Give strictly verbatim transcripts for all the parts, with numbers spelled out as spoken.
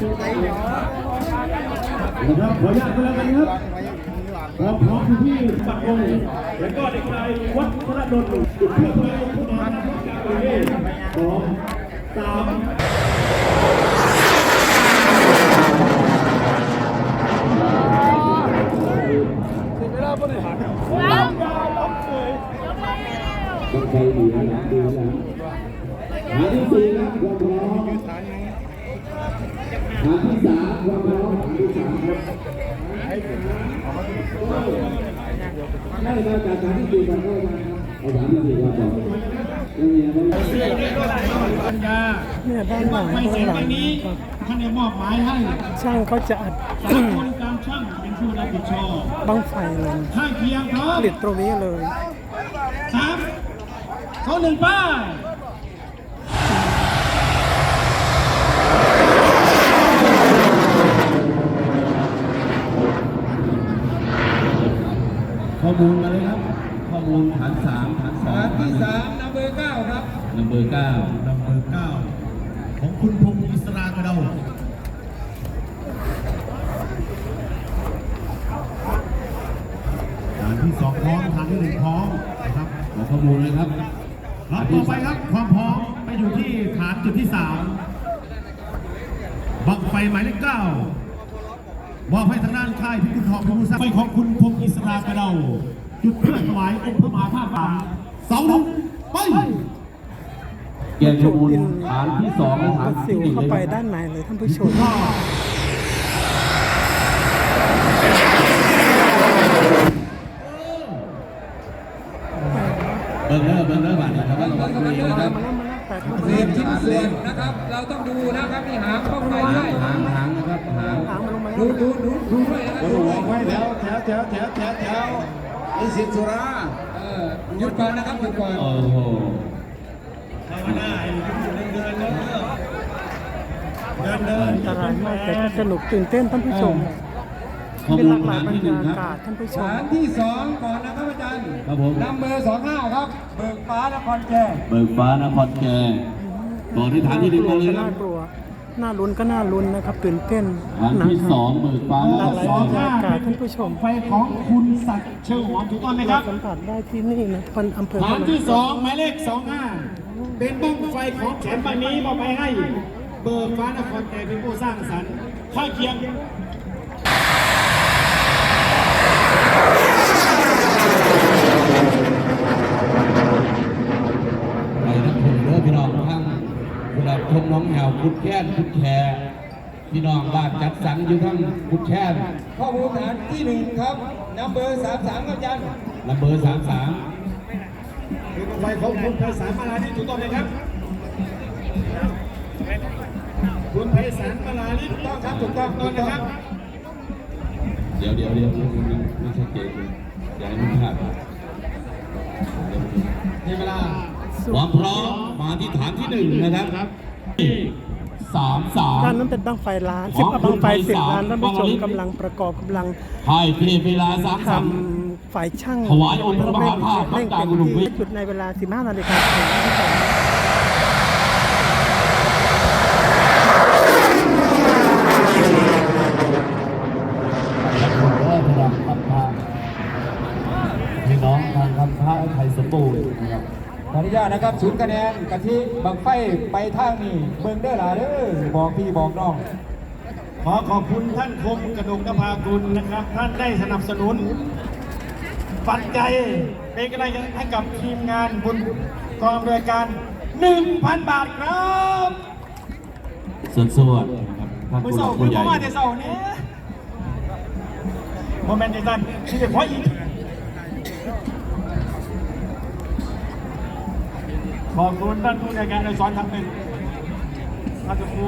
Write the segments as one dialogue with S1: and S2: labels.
S1: นะครับขออนุญาตกันแล้วกันครับพร้อมพร้อมที่ปักองแล้วก็เด็กชายวัดพระดลจุดเพื่อไปผู้นำจากประเทศสองสามถึงเวลาบริหารล้ำยาวล้ำเลยต้องใจดีนะดีนะหาที่สี่นะความพร้อมหาที่สามความพร้อมหาที่สามครับได้มาจากหาที่สี่กันได้มาเอาหาที่สี่ก่อนก่อน
S2: เนี่ยด้านหลังด้านหลัง
S1: ท่านได้มอบหมายให้
S2: ช่างเขาจะอัด
S1: คนการช่างเป็นผู้รับผิดชอบ
S2: บั้งไฟเลย
S1: ข้างเคียงครับ
S2: ผลิตตรงนี้เลย
S1: สามเขาหนึ่งป้ายข้อมูลมาเลยครับข้อมูลฐานสามฐานสอง
S3: ฐานที่สามนัมเบอร์เก้าครับ
S1: นัมเบอร์เก้านัมเบอร์เก้าของคุณพงศ์อิสรากระเดาฐานที่สองพร้อมฐานที่หนึ่งพร้อมนะครับขอข้อมูลเลยครับรับต่อไปครับความพร้อมไปอยู่ที่ฐานจุดที่สามบังไฟหมายเลขเก้ามอบให้ทางด้านค่ายพิกุลทองพิกุลทรัพย์ไฟของคุณพงศ์อิสรากระเดาจุดเพื่อถวายองค์พระมหาธาตุป่าเสาหนึ่งไปแกนขบูรณ์ฐานที่สองฐาน
S2: ที่เข้าไปด้านในเลยท่านผู้ชม
S1: เบิร์เนอร์เบิร์เนอร์บาทนะครับว่าเรา
S3: ดูนะครับเศษชิ้นส่วนนะครับเราต้องดูนะครับมีหางเข้าไปด้วย
S1: หางหางนะครับหาง
S3: ดูดูดูดูด้วยนะ
S1: ดูไว้แถวแถวแถวแถวแถวแถวนิสิตสุรา
S3: เออหยุดก่อนนะครับหยุดก่อน
S1: โอ้โหธรรมดาเดินเดินเดินเดิน
S2: อันตรายมากแต่ก็สนุกตื่นเต้นท่านผู้ชมเป็นหลากหลายบรรยากาศท่านผู้ชม
S3: ฐานที่สองก่อนนะครับอาจารย์
S1: ครับผม
S3: นัมเบอร์สองห้าครับเบิกฟ้านครแก่
S1: เบิกฟ้านครแก่ต่อที่ฐานที่หนึ่งมาเลย
S2: น่ากลัวน่าลุ้นก็น่าลุ้นนะครับตื่นเต้น
S1: ฐานที่สองเบิกฟ้า
S2: หลากหลายบรรยากาศท่านผู้ชม
S1: ไฟของคุณศักดิ์เชิงหอมถูกต้องไหมครับ
S2: สัมผัสได้ที่นี่นะคนอำเภอ
S1: ฐานที่สองหมายเลขสองห้าเป็นบ้างไฟของแขนใบนี้มอบไปให้เบิกฟ้านครแก่เป็นผู้สร้างสรรค์ข้างเคียงไปนักชมเด้อพี่น้องทั้งเวลาชมน้องแหวคุดแค้นคุดแคร์พี่น้องบ้านจัดสรรอยู่ทั้งคุดแค้น
S3: ข้อมูลฐานที่หนึ่งครับนัมเบอร์สามสามครับอาจารย์
S1: นัมเบอร์สามสามเป็นไฟของคุณไพศาลมาลาลิถูกต้องไหมครับคุณไพศาลมาลาลิถูกต้องครับถูกต้องต้นนะครับเดี๋ยวเดี๋ยวเดี๋ยวไม่ชัดเจนอย่าให้มันพลาดในเวลาความพร้อมมาที่ฐานที่หนึ่งนะครับสามสาม
S2: ด้านนั้นเป็นบั้งไฟล้านสิบกับบั้งไฟสิบล้านท่านผู้ชมกำลังประกอบกำลัง
S1: ไพ่เทเวลาสามสาม
S2: ฝ่ายช่าง
S1: ถวายองค์พระมหาธาตุ
S2: เร่งเต็มที่จุดในเวลาสิบห้านาฬิกา
S1: พี่น้องทางคำพระไทยสมบูรณ์นะครับ
S3: ขออนุญาตนะครับศูนย์คะแนนกะทิบังไฟไปทางนี้เบิ่งเด้อล่ะเด้อบอกพี่บอกน้อง
S1: ขอขอบคุณท่านคมกระดูกนภากุลนะครับท่านได้สนับสนุนปัจจัยเป็นกำลังใจให้กับทีมงานบุญกองบริการ หนึ่งพัน บาทครับส่วนส่วนครับท่านผู้หลักผู้ใหญ่มาแต่เสาร์นี้โมเมนต์ที่ท่านที่จะพออีกขอบคุณท่านผู้ในการในสอนทำเป็นท่านผู้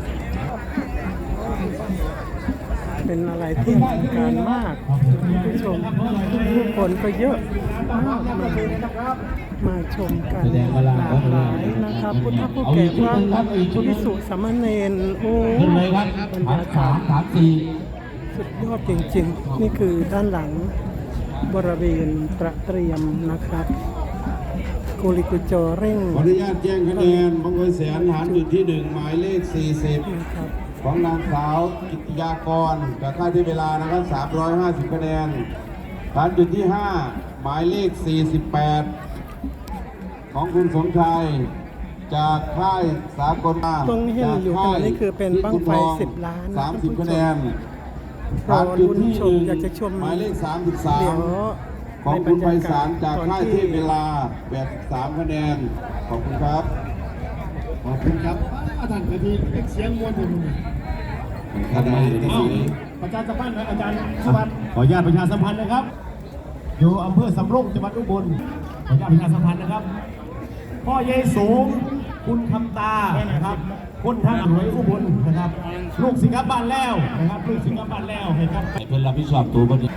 S2: เป็นอะไรที่มีการมากผู้ชมผู้คนก็เยอะมากมามาชมกันหลากหลายนะครับพุทธผู้แก่พระภิกษุสามเณรโอ้บรรยากาศสุดยอดจริงๆนี่คือด้านหลังบริเวณประเตรียมนะครับกุลิกุจเร่ง
S1: ขออนุญาตแจ้งคะแนนบังไฟแสนฐานจุดที่หนึ่งหมายเลขสี่สิบ
S2: นะครับ
S4: ของนางสาวกิตยากรจากค่ายที่เวลานะครับสามร้อยห้าสิบคะแนนฐานจุดที่ห้าหมายเลขสี่สิบแปดของคุณสมชายจากค่ายสากล
S2: ตรงนี้เห็นอยู่ขณะนี้คือเป็นบั้งไฟสิบล้านนะ
S4: สามสิบ
S2: ท่านผู้ชม
S4: คะแนน
S2: รอลุ้นชมอยากจะชม
S4: หมายเลขสามสิบสา
S2: เดี๋ย
S4: ม
S2: ว
S4: ของ
S2: ในบร
S4: คุณ
S2: ร
S4: ไพ
S2: ยา
S4: ศาก
S2: าศ
S4: ลจาก
S2: ตอน
S4: ค่าย
S2: ที่
S4: เทพเวลาแบบสามคะแนนขอบคุณครับ
S1: ขอบคุณครับอาจารย์กะทิเสียงมวลถึง
S4: ท่านนายก
S1: อ้าวประชาสัมพันธ์นะอาจารย์สุวรรณขออนุญาตประชาสัมพันธ์นะครับ อยู่อำเภอสำโรงจังหวัดอุบลขออนุญาตประชาสัมพันธ์นะครับ พ่อเยสูง คุณคำตานะครับคุณท่านหวยอุบลนะครับ ลูกสิงห์บ้านแล้วนะครับลูกสิงห์บ้านแล้วเห็นครับ
S4: เพื่อนรับผิดชอบตัวบนนี้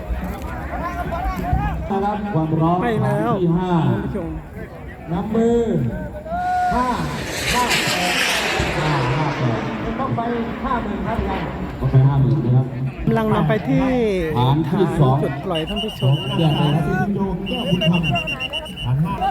S4: นะครับความร้อน
S2: ไปแล้ว
S4: ที่ห้า
S2: ท่านผู้ชม
S3: นับมือห้าห้าแปด
S4: ห้าห้าแปด
S3: ต้องไปห้าหมื่นครับยัง
S4: ก็ไปห้าหมื่นนะครับ
S2: กำลังนำไปที่
S4: ฐานที่
S2: ฐาน
S4: สอง
S2: จุดปล่อยท่านผู้ชม
S4: เดือนเลยนะ
S1: ที่โยงแก้วคุณธรรมฐานห้า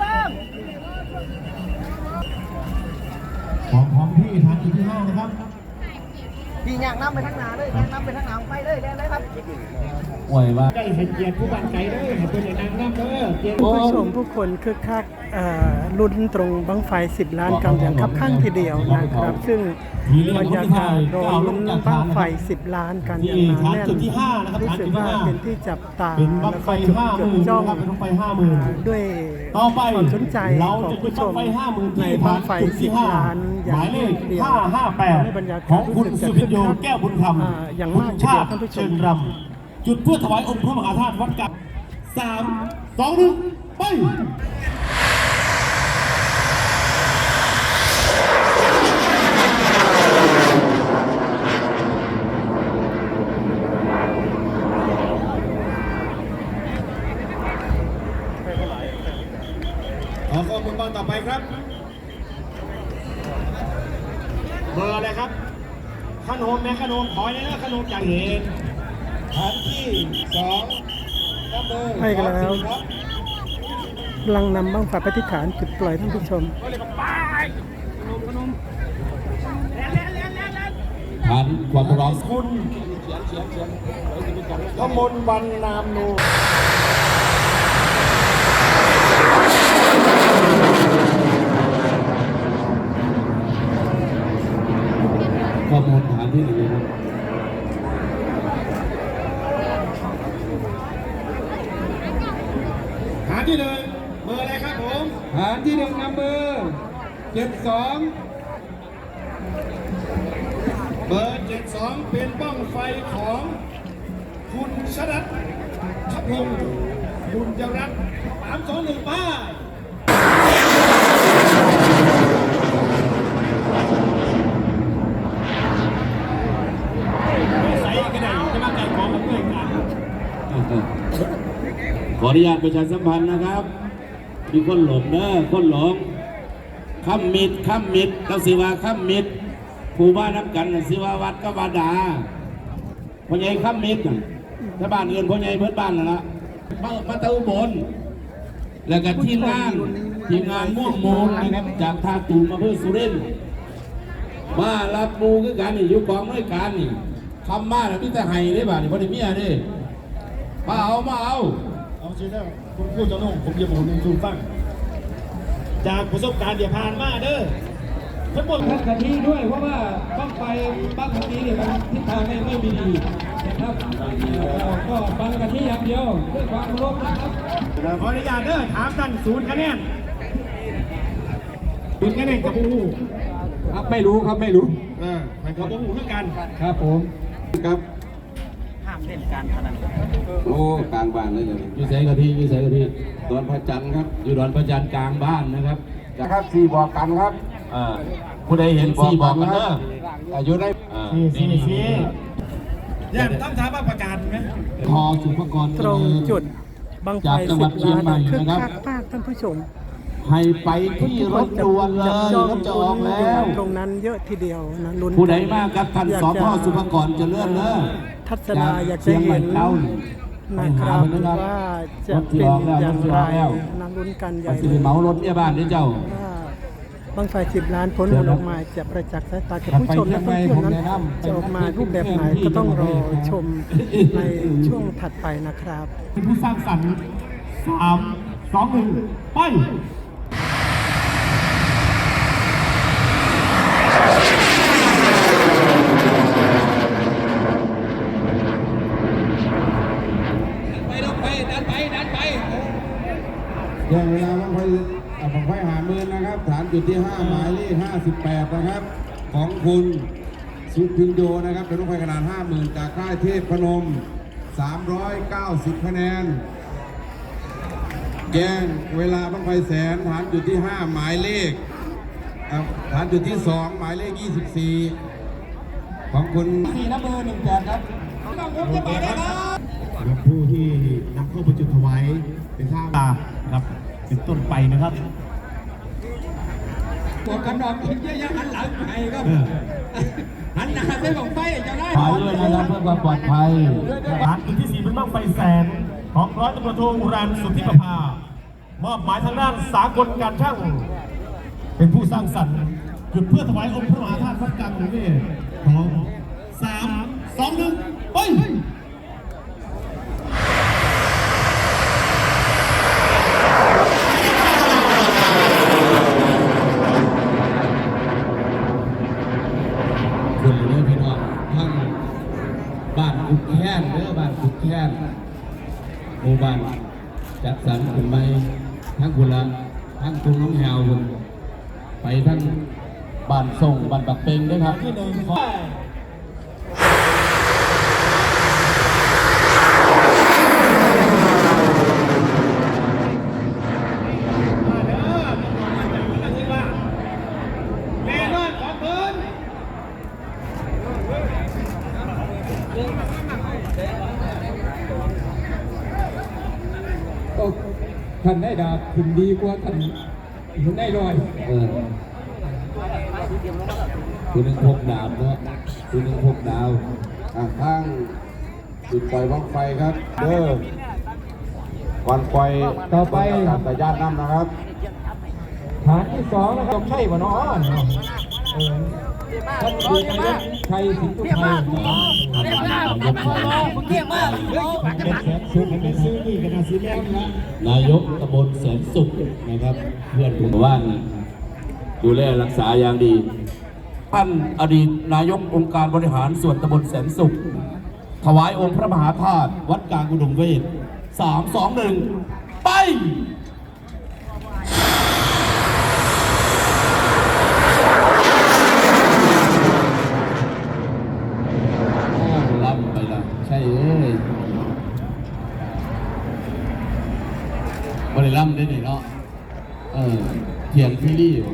S1: ของของพี่ฐานที่ห้านะครับ
S5: พี่ย่างน้ำไปทางหนาเลยย่างน้ำไปทางหนาไปเลยได้เลยครับ
S4: ป่วยว่า
S1: ได้ให้เกียรติผู้บันไก่ด้วยให้เป็นนางน้ำเด้อเกียรติ
S2: ผู้ชมผู้คนคึกคักเอ่อลุ้นตรงบั้งไฟสิบล้านกันอย่างคับข้างทีเดียวนะครับ ซึ่งบรรยากาศรอลุ้นบั้งไฟสิบล้านกันอย่างหนาแน่นรู้สึกว่าเป็นที่จับตา
S1: เป็นบัง
S2: แล้ว
S1: ไฟ
S2: ก็จด
S1: ห้าห
S2: จด
S1: มื่น
S2: จ้อง
S1: นะครับเป็นบังไฟห้าหมื่น
S2: ด้วย
S1: ต่อไป
S2: ความสนใจ
S1: เรา
S2: ของ
S1: จะ
S2: ผู้ชม
S1: จุดบั้งไฟห้าหมื่น
S2: ใน
S1: ที่
S2: บั้งไฟ
S1: จุด
S2: สิ
S1: ที่
S2: บ
S1: ห้า
S2: ล้านอย่า
S1: ห
S2: ง
S1: มายเล
S2: รว
S1: ข
S2: ดเดียว
S1: ห้าห้าแปด
S2: ในบรรยากาศ
S1: ของคุณ
S2: รู้สึ
S1: สุ
S2: ก
S1: พิ
S2: จะ
S1: โย
S2: คึกคัก
S1: แก้วบุญธรรม
S2: อ่าอย่าง
S1: คุ
S2: มาก
S1: ณ
S2: ที
S1: ชา
S2: เดียว
S1: ติ
S2: ท่านผู้ช
S1: เชิ
S2: ม
S1: ญรำจุดเพื่อถวายองค์พระมหาธาตุวัดกับสามสองหนึ่งไป ขอข้อมูลบ้างต่อไปครับ เบอร์อะไรครับขนมแม่ขนมขอเนี่ยนะขนมจากเหตุฐานที่สองครับเบอร์
S2: ให้กันแล้ว
S1: ครับ
S2: กำลังนำบั้งไฟไปที่ฐานจุดปล่อยท่านผู้ชม
S4: ฐานความร้อน
S1: คุณกมลวันนามนู
S4: ข้อมูลฐานที่หนึ่งนะครับ
S1: ฐานที่หนึ่งเบอร์อะไรครับผม
S3: ฐานที่หนึ่งนับมือเจ็ดสอง
S1: เบอร์เจ็ดสองเป็นบ้องไฟของคุณชรัตน์ทัพพงศ์บุญจรัตน์สามสองหนึ่งป้ายไม่ใส่ก็ได้จะมาไก่ของกับเพื่อนกัน
S4: ขออนุญาตประชาสัมพันธ์นะครับ มีคนหลงเด้อคนหลงข้ามมิดข้ามมิดเราสิว่าข้ามมิดผู้บ้านนับกันน่ะสิว่าวัดก็วาดาพ่อใหญ่ข้ามมิดน่ะถ้าบ้านอื่นพ่อใหญ่เพื่อนบ้านน่ะละมามาตะอุบลแล้วก็ทีมงานทีมงานม่วงมูลนะครับจากท่าตูมมาเพื่อสุรินทร์มารับหมูคือกันนี่อยู่กองด้วยกันนี่คำมาแล้วมีแต่ไห้ได้บ่านี่พ่อได้เมียเด้มาเอามาเอา
S1: เอาสิแล้วคุณพูดจะน้องผมจะบอกหนึ่งสูฟัง จากประสบการณ์เดี๋ยวผ่านมาเด้อทั้งหมด
S3: ทัศกะทิด้วยเพราะว่าบ้างไฟบ้างกะทิเนี่ยมันทิศทางไม่ไม่มีดีนะครับเราก็บังกะทิอย่างเดียวด้วยความเคารพนะครับ
S1: ขออนุญาตเด้อถามกันศูนย์คะแนนศูนย์คะแนนกับผู้
S3: ครับไม่รู้ครับไม่รู้
S1: เออมันกับผู้เท่ากัน
S3: ครับผม
S4: ครับ
S5: ห้ามเล่นการพนัน
S4: โอ้กลางบ้านเลยเลยอยู่แสงกะทิอยู่แสงกะทิดอนพระจันทร์ครับ อยู่ดอนพระจันทร์กลางบ้านนะครับนะครับสี่บอกกันครับอ่าผู้ใดเห็นสี่บอกกันเด้ออายุได้อ่า
S1: สี่สี่สี่ย่านต้องถามว่าประกาศไหม
S4: พอสุภกร
S2: ตรงจุดบั้งไฟ
S4: จากจังหวั
S2: สิ
S4: ด
S2: บ
S4: เชียง
S2: ล้าน
S4: ใหม่
S2: คึก
S4: นะครับ
S2: คักมากท่านผู้ชม
S4: ให้ไปที่รถด่วนเลย
S2: จ้อง
S4: รถจะออก
S2: ลุ้น
S4: แล้ว
S2: ตรงนั้นเยอะทีเดียวนะลุ้น
S4: ผู้ใดมากครับท่านสพสุภกรเจะเลื่อนเด้อ
S2: ทัศนาอยากจะเห็นนะครับว่าจะเป็นอย่างไรนะลุ้นกันให
S4: ไป
S2: ญ่
S4: สิไปเหมารถเนี่ยบ้านเด้อเจ้า
S2: ว่าบั้งไฟสิบล้านผลผลออกมาจะประจักษ์สายตาแก่ผู้ชมและนักท่องเที่ยวนั้นจะออกมารูปแบบไหนก็ต้องรอชมในช่วงถัดไปนะครับ
S1: เป็นผู้สร้างสรรค์สามสองหนึ่งไป
S3: ไปดันไปดันไปดันไป
S6: แย่งเวลาบังไฟอ่าบังไฟหาหมื่นนะครับ ฐานจุดที่ห้าหมายเลขห้าสิบแปดนะครับ ของคุณสุพินโยนะครับเป็นบังไฟขนาดห้าหมื่นจากค่ายเทพพนมสามร้อยเก้าสิบคะแนนแย่งเวลาบังไฟแสนฐานจุดที่ห้าหมายเลขอ่าฐานจุดที่สองหมายเลขยี่สิบสี่ของคุณ
S3: สี่นับเบอร์หนึ่งแปดครับต้องยกจะไปได้ครับ
S1: กับผู้ที่นำเข้าประจุถวายเป็นข้าวตาครับเป็นต้นไปนะครับ
S3: ปวดกันดอกเยอะๆหันหลังไปครับหันหน้าไปของไฟจะได้
S4: ขอด้วยนะครับเพื่อความปลอดภัย
S1: ฐานจุดที่สี่เป็นบั้งไฟแสนของร้อยตำรวจโทอุรันสุทธิประภามอบหมายทางด้านสากลการช่างเป็นผู้สร้างสรรค์จุดเพื่อถวายองค์พระมหาธาตุพระกลางหรือนี่ของสามสองหนึ่งไป
S6: คุณเด้อพี่น้องทั้งบ้านกุดแค้นเด้อบ้านกุดแค้นหมู่บ้านจัดสรรขึ้นไปทั้งคุณละทั้งคุณน้องแฮวคุณไปทั้งบ้านส่งบ้านปักเปงด้วยครับ
S1: ที่หนึ่งขอ
S3: ก็ท่านได้ดาบขึ้นดีกว่าท่านได้ลอย
S6: เออคุณหนึ่งพกดาบเนาะคุณหนึ่งพกดาวอ่ะข้างจุดปล่อยบ้างไฟครับเด้อวันไฟ
S3: ต่อไป
S6: การแต่ญาติน้ำนะครับ
S3: ฐานที่สองนะครับใช่ป่ะเนาะเออท่านดีนายกชัยสิงห์ตุไทย
S6: นายกตำบลแสนสุขนะครับ เพื่อนผมว่านดูแลรักษาอย่างดี
S4: ท่านอดีตนายกองค์การบริหารส่วนตำบลแสนสุข ถวายองค์พระมหาธาตุวัดกลางอุดมเวทสามสองหนึ่งไป
S6: รับไปละใช่เอ้ยบริลัมได้หนิเนาะเออเถียงพี่ลี่อยู่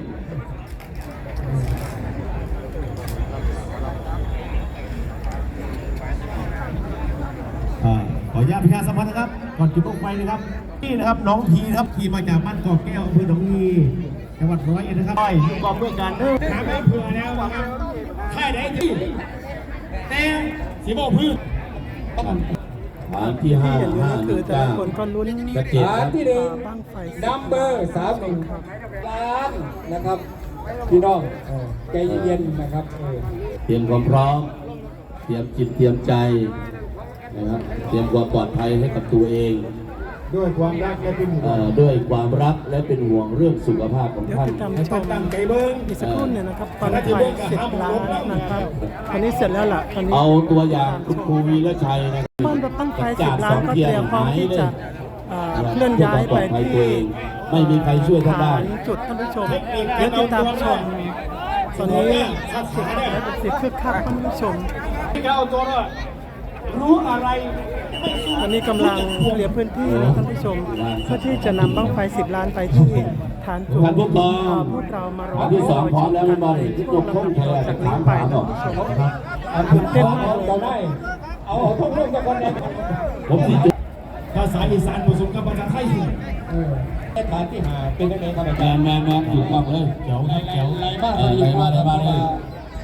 S1: อ่าขออนุญาตพิการสัมพันธ์นะครับ ก่อนจุดลงไฟนะครับ นี่นะครับน้องพีนะครับขี่มาจากบ้านกอกแก้วอำเภอหนองงีจังหวัดร้อยเอ็ดนะครับไปกองด้วยกันเด้อน้ำไม่เผื่อแล้วนะครับค่ายไหนที่แต่สีโมพืช
S6: ฐานที่ห้า
S2: ที่เห็นอยู่
S6: ห้า
S2: นั่น
S6: ห
S2: คื
S6: นึ่
S2: อง แต่
S6: เก้า
S2: ละคนก็ลุ้น
S6: กระเจ็ด
S3: ฐานที่หนึ่ง
S2: บ้างไฟ
S3: นัมเบอร์สามหนึ่งล้านนะครับพี่น้องเออใจเย็นๆนะครับเออ
S6: เตรียมความพร้อม เตรียมจิตเตรียมใจนะครับ เตรียมความปลอดภัยให้กับตัวเอง
S1: ด้วยความรักและเป็นห่ว
S6: เอ่
S1: ง
S6: อด้วยความรักและเป็นห่วงเรื่องสุขภาพของ
S2: เดี๋ยว
S6: ท่าน
S2: ติดตาม
S1: ให้
S2: ช
S1: ตั้ง
S2: ม
S1: ตั้งใจเบิ้ง
S2: อีกสักครู่หนึ่งนะครับตอนไฟเสร็จแล้วนะครับตอนนี้เสร็จแล้วล่ะตอนนี้
S6: เอาตัวอย่างคุณครูวีระชัยนะ
S2: บ้านรถตั้งไฟสิบล้านก็เตรียมพร้อมที่จะเอ่อเคลื่อนย้ายไปที่
S6: ไม่มีใครช่วยท่านได้
S2: ฐานจุดท่านผู้ชมเดี๋ยวติดตามชมตอนนี้สิบและสิบคึกคักท่านผู้ชม
S1: ที่เขาเอาตัวรอดรู้อะไรไม่สู้
S2: ตอนนี้กำลังเคลียร์พื้นที่นะท่านผู้ชมเพื่อที่จะนำบ้างไฟสิบล้านไปที่ฐานจุด
S6: ท่านผู้กอง
S2: พวกเรามารอ
S6: ฐานที่สองพร้อมแล้วไม่บอลที่ยกข้องแทน
S2: จาก
S6: ถา
S2: นี้
S6: ม
S2: ไป
S6: ถาม
S2: ท่า
S6: บ
S2: น
S6: อก
S2: ผู้ชม
S6: ครับ
S2: ตื่นเต้น
S3: เอา
S2: มาก
S3: เราได้ เอาเอาทุกเรื่องจากคนเดียว
S6: ผมสิจุด
S1: ภาษาอีสานผสมกับภาษาไทยสิ
S3: เออฐานที่หาเป็นยังไงครับอา
S6: แม
S3: จาร
S6: น
S3: ย์
S6: แมนแมนถูกต้องเลย
S1: เจ๋วครับเจ๋ว
S3: ไรบ้าง
S6: เออไรบ้างไรบ้างเลย
S3: ม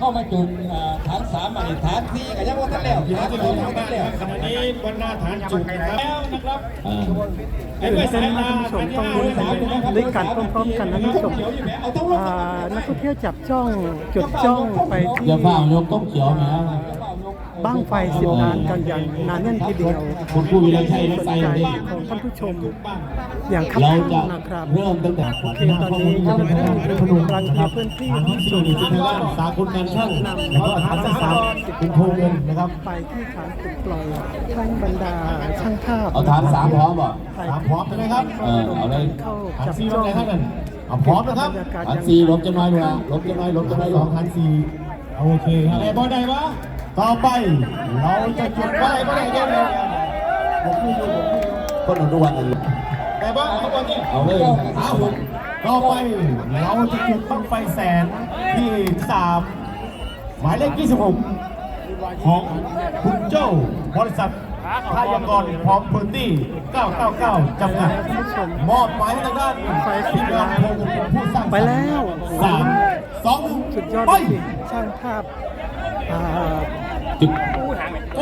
S3: เข้ามาจุดอ่าฐานสามมาฐานสี่ก็ยังว่าท่านแล้ว
S1: เดี๋ยว
S3: ฐาน
S1: จะ
S3: ส
S1: ดู
S3: อง
S1: ทาง
S3: ท่าน
S1: ด้า
S3: แล้ว
S1: นขณะนี้บนหน้าฐานจุดนะครับแล้วนะครับ
S4: อ่า
S1: ไอ้ไม่ใส่ตา
S2: ท่านผู้ชมต้องด้วยกันพร้อมๆกันนะท่านผู้ชมอ่านักท่องเที่ยวจับจ้องจุดจ้องไปที่
S4: อย่าเฝ้ายกต้มเขียวแหม
S2: บ้างไฟสิบล้านกันอย่างหนาแน่นทีเดียว
S4: คุณผู้วิไลชัย
S2: ส
S4: รถ
S2: น
S4: ไฟ
S2: ใจ
S4: นี่
S2: ของท่านผู้ชมอย่างคับ
S4: เรา
S2: ข้า
S4: จะ
S2: งนะครับ
S4: เริ่มตั้งแต่
S2: โอเคตอนนี้เจ้าหน้าที่เป็นพนุรังเกียร์พื้นที่ที่สุด
S1: สากลการช่างแล้วก็ฐานสามเป็นโพเงินนะครับ
S2: ไปที่ฐานขุดปล่อยทั้งบรรดาช่างภาพ
S4: เอาฐานสามพร้อมบ่
S1: สามพร้อมใช่ไหมครับ
S4: เออเอาเลย
S2: เข้า
S1: ฐาน
S2: จับ
S1: สี่ล
S2: จ้
S1: ง
S2: อง
S1: ไหนครับนั่นเอาพร้อมนะครับ
S2: บรรยากาศ
S4: ฐาน
S2: ยัง
S4: สี่ลบจะน้อยดูนะลบจะน้อยลบจะน้อยล
S1: สอง งฐานสี่โอเคครับอะไรบอลใดวะต่อไปเราจะจุดไฟบอลใดเดียวเดียวผมพูดอยู่ผมพูดอยู่
S4: คนอนุวัตอัน
S1: แต่ว่าเอาบอลนี่
S4: เอาเลย
S1: เอาต่อไปเราจะจุดบั้งไฟแสนที่สามหมายเลขยี่สิบหกของคุณโจ้บริษัทพยากรณ์พร้อมพื้นที่เก้าเก้าเก้าจำกัดมอบหมายให้ทางด้าน
S2: ไฟสิบล้าน
S1: ผู้สร้าง
S2: ไปแล้ว
S1: สามสองหนึ่ง
S2: สุดยอด
S1: ไป
S2: จริงๆช่างภาพอ่า
S4: จุด
S1: โอ้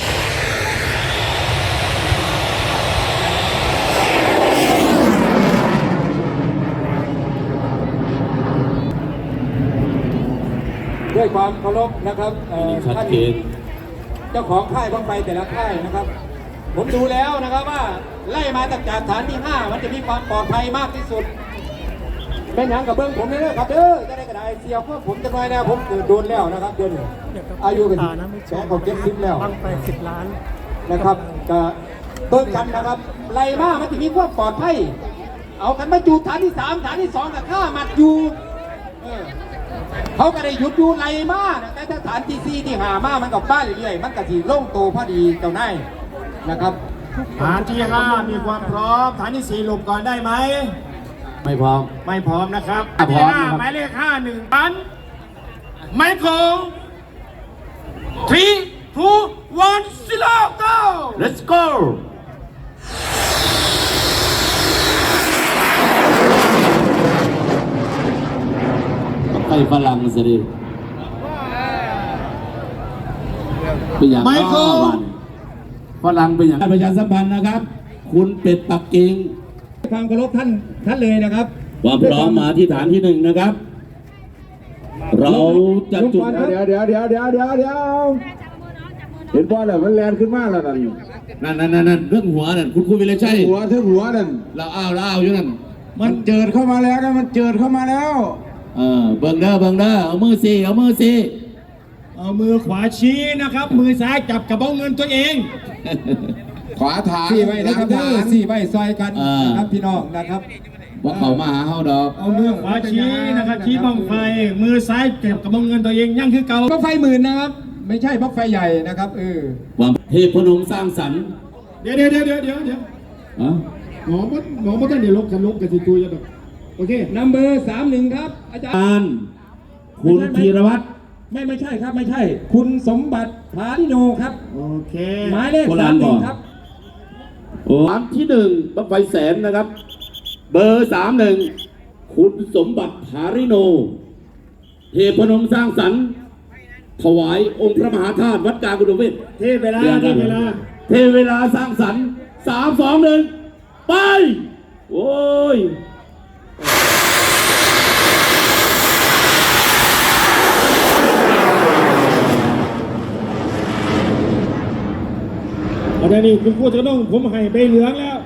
S3: ด้วยความเคารพนะครับเอ่อ
S4: ชัด
S3: ท่าน
S4: เจน
S3: เจ้าของค่ายบ้างไฟแต่ละค่ายนะครับ ผมดูแล้วนะครับว่าไล่มาตั้งจากฐานที่ห้ามันจะมีความปลอดภัยมากที่สุด เป็นอย่างกับเบื้องผมนี่เลยครับเด้อจะได้กระไดเสียวเพราะผมจะน้อยแล้วผมเกิดโดนแล้วนะครับเดือนนี้อายุเป็น
S2: ตานะไม่ช
S3: แสน
S2: ม
S3: กว่าเจ็ดสิบแล้ว
S2: บังไฟสิบล้าน
S3: นะครับก็เบิ่งกันนะครับไล่มามันจะมีความปลอดภัยเอากันมาจูฐานที่สามฐานที่สองกับข้ามัดอยู่เออเขาก็ได้หยุดอยู่ไล่มานะแต่ถ้าฐานที่สี่ที่หามามันกับบ้านเรื่อยๆมันก็สีโล่งโตพอดีเจ้านายนะครับ
S1: ฐานที่ห้ามีความพร้อมฐานที่สี่หลบก่อนได้ไหม
S4: ไม่พร้อม
S1: ไม่พร้อมนะครับ
S4: อ่ะพร้อม
S1: ฐานที่ห้า
S4: นะครับ
S1: หมายเลขห้าหนึ่งพันไมโคร three two one zero go
S4: let's go ไปฝรั่งสิเป็นอย่าง
S1: ไมโคร
S4: วันฝรั่งเป็นอย่างประชาสัมพันธ์นะครับ คุณเป็ดปักกิ่ง
S3: ความเคารพท่านท่านเลยนะครับ
S4: ความพร้อมมาที่ฐานที่หนึ่งนะครับ เราจะจุด
S6: เดี๋ยวเดี๋ยวเดี๋ยวเดี๋ยวเดี๋ยวเดี๋ยวเห็นบอลแล้วมันแลนขึ้นมากแล้วนั่น
S4: นั่นนั่นนั่นนั่นเรื่องหัวนั่นคุณครูวิไลชัย
S6: หัวถึงหัวนั่น
S4: เราอ้าวเราอ้าวอยู่นั่น
S6: มันเจิดเข้ามาแล้วนะมันเจิดเข้ามาแล้ว
S4: เออเบิ่งเด้อเบิ่งเด้อเอามือสิเอามือสิ
S1: เอามือขวาชี้นะครับ มือซ้ายจับกระเป๋าเงินตัวเอง
S6: ขวาฐาน
S3: สี่ใบนะครับเด้อสี่ใบซอยกัน
S4: อ่าน
S3: นะครับพี่น้องนะครับ
S4: ว่าเขามาหาเฮาดอก
S1: เอามือขวาชี้นะครับชี้บังไฟ มือซ้ายจับกระเป๋าเงินตัวเองยั่งคือเก่า
S3: บั้งไฟหมื่นนะครับ ไม่ใช่บั้งไฟใหญ่นะครับเออ
S4: ความเทพนมสร้างสรรค์
S1: เดี๋ยวเดี๋ยวเดี๋ยวเดี๋ยวเดี๋ยวเดี๋ยว
S4: อ่ะ
S1: หมอมดหมอมดท่านเดี๋ยวลบกันลบกันสิตัวจะแบบโอเค
S3: นัมเบอร์สามหนึ่งครับอาจารย์
S4: การคุณธีรวัตร
S3: ไม่ไม่ใช่ครับไม่ใช่ คุณสมบัติผาลิโนครับ
S1: โอเค
S3: หมายเลขสามหนึ่งครับ
S4: โอ้ฐานที่หนึ่งบั้งไฟแสนนะครับ เบอร์สามหนึ่งคุณสมบัติภาริโน เทพนมสร้างสรรค์ ถวายองค์พระมหาธาตุวัดกลางกุฎเวท
S1: เทเวลาเทเวลา
S4: เทเวลาสร้างสรรค์สามสองหนึ่งไป โอ้ย
S1: อาจารย์นี่คุณครูจะต้องผมให้ใบเหลืองแล้ว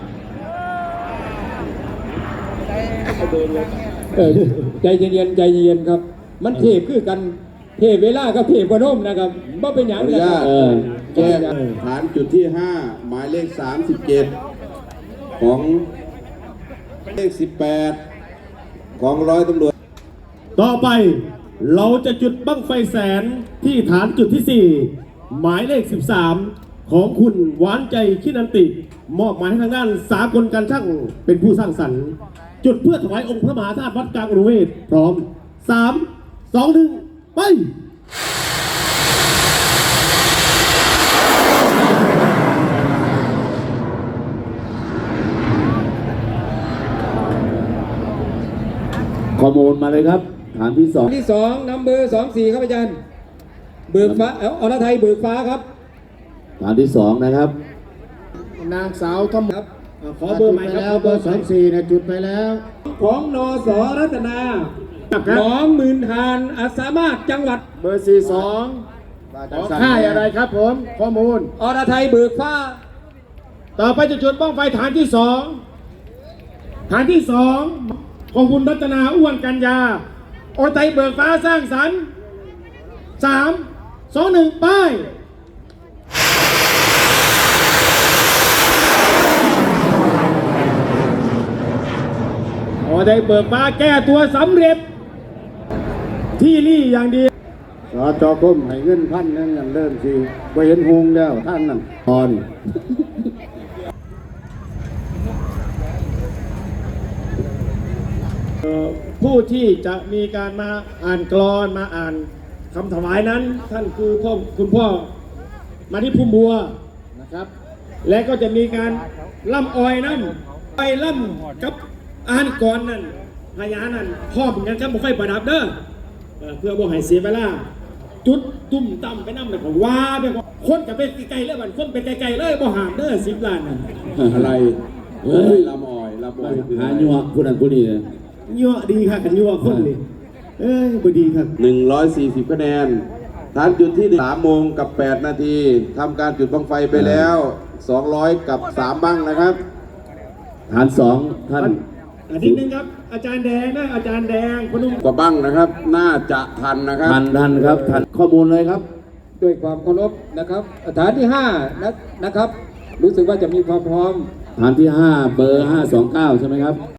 S3: เออใจเย็นๆใจเย็นๆครับ มันเทพคือกันเทพเวลากับเทพพนมนะครับบ่เป็นอย่าง
S6: ขออนุ
S3: นะ
S6: ญา
S3: ครั
S6: ต
S3: บ
S4: เออ
S6: แจ้งฐานจุดที่ห้าหมายเลขสามสิบเจ็ดของเลขสิบแปดของร้อยตำรวจ
S1: ต่อไปเราจะจุดบั้งไฟแสนที่ฐานจุดที่สี่หมายเลขสิบสามของคุณหวานใจคินันติ มอบหมายให้ทางด้านสากลการช่างเป็นผู้สร้างสรรค์ จุดเพื่อถวายองค์พระมหาธาตุวัดกลางอุรุเวศพร้อมสามสองหนึ่งไป
S4: ข้อมูลมาเลยครับฐานที่สอง
S3: ที่สองนำเบอร์สองสี่ครับอาจารย์เบิกฟ้าเอออรไทยเบิกฟ้าครับ
S4: ฐานที่สองนะครับ
S3: นางสาวทอมครับขอเบอร์ใหม่ครับเบอร์สองสี่นะจุดไปแล้ว ของนสรัตนาหนองหมื่นหานอาสามารถจังหวัดเบอร์สี่สองของค่ายอะไรครับผมข้อมูลอรไทยเบิกฟ้า ต่อไปจะจุดบ้องไฟฐานที่สองฐานที่สองของคุณรัตนาอ้วนกัญญาอรไทยเบิกฟ้าสร้างสรรค์สามสองหนึ่งป้ายอรไทยเบิกฟ้าแก้ตัวสำเร็จที่นี่อย่างดีสจคมให้เงินพันนั่นนั่นเริ่มสิไปเห็นหงแล้วท่านนั่นตอนผู้ที่จะมีการมาอ่านกลอนมาอ่านคำถวายนั้น ท่านคือพ่อคุณพ่อมาที่พุ่มบัวนะครับ และก็จะมีการล่ำออยนั้นไปล่ำกับอ่านก่อนนั่นพญานั่นพ่อเหมือนกันครับบ่ค่อยประดับเด้อเพื่อบ่ให้เสียเวลาจุดตุ่มต่ำไปน้ำเลยก็ว่าไปคนกับไปไกลๆเลยบัดคนไปไกลๆเลยบ่ห่างเด้อสิบล้านนั่น
S6: อะไรเฮ้ยลำอ่อยลำอ่อย
S4: หายัวผู้นั้นผู้นี้เลย
S3: ยั่วดีค่ะกันยั่วคนนี่เอ้ยบ่ดีครับ
S6: หนึ่งร้อยสี่สิบคะแนนฐานจุดที่สามโมงกับแปดนาทีทำการจุดบั้งไฟไปแล้วสองร้อยกับสามบั้งนะครับ
S4: ฐานสองท่าน
S3: อันนี้นึงครับอาจารย์แดงนะอาจารย์แดงพนุ่ม
S6: กว่าบั้งนะครับ น่าจะทันนะครับ
S4: ทันทันครับทันข้อมูลเลยครับ
S3: ด้วยความเคารพนะครับฐานที่ห้านะนะครับ รู้สึกว่าจะมีความพร้อม
S4: ฐานที่ห้าเบอร์ห้าสองเก้าใช่ไหมครับ